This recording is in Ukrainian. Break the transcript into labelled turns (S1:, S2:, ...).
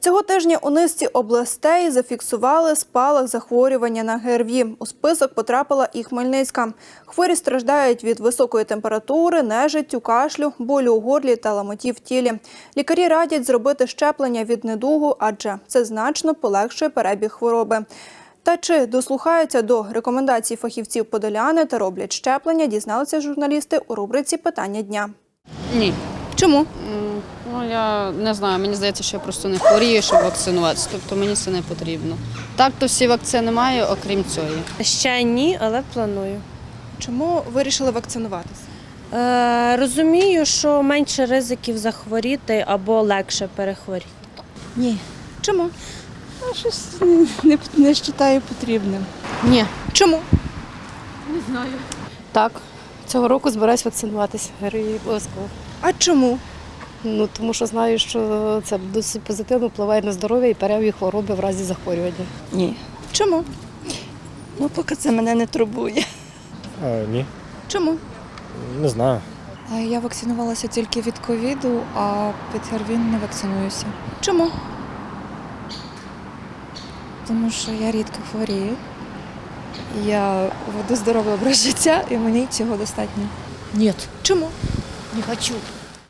S1: Цього тижня у низці областей зафіксували спалах захворювання на ГРВІ. У список потрапила і Хмельницька. Хворі страждають від високої температури, нежиттю, кашлю, болю у горлі та ламоті в тілі. Лікарі радять зробити щеплення від недугу, адже це значно полегшує перебіг хвороби. Та чи дослухаються до рекомендацій фахівців подоляни та роблять щеплення, дізналися журналісти у рубриці «Питання дня».
S2: Ні.
S1: Чому?
S2: Ну, я не знаю, мені здається, що я просто не хворію, щоб вакцинуватися, тобто мені це не потрібно. Так, то всі вакцини маю, окрім цієї.
S3: Ще ні, але планую.
S1: Чому вирішили вакцинуватися?
S3: Розумію, що менше ризиків захворіти або легше перехворіти.
S4: Ні,
S1: Чому?
S4: щось не вважаю потрібним.
S5: Ні.
S1: Чому?
S5: Так, цього року збираюсь вакцинуватися. ГРВІ обов'язково.
S1: А чому?
S5: Тому що знаю, що це досить позитивно впливає на здоров'я і перебіг хвороби в разі захворювання.
S4: Ні.
S1: Чому?
S4: Ну, поки це мене не турбує.
S6: Ні,
S1: Чому?
S6: не знаю.
S7: Я вакцинувалася тільки від ковіду, а від ГРВІ не вакцинуюся.
S1: Чому?
S7: Тому що я рідко хворію. Я веду здоровий образ життя і мені цього достатньо.
S5: Ні,
S1: Чому?
S5: не хочу.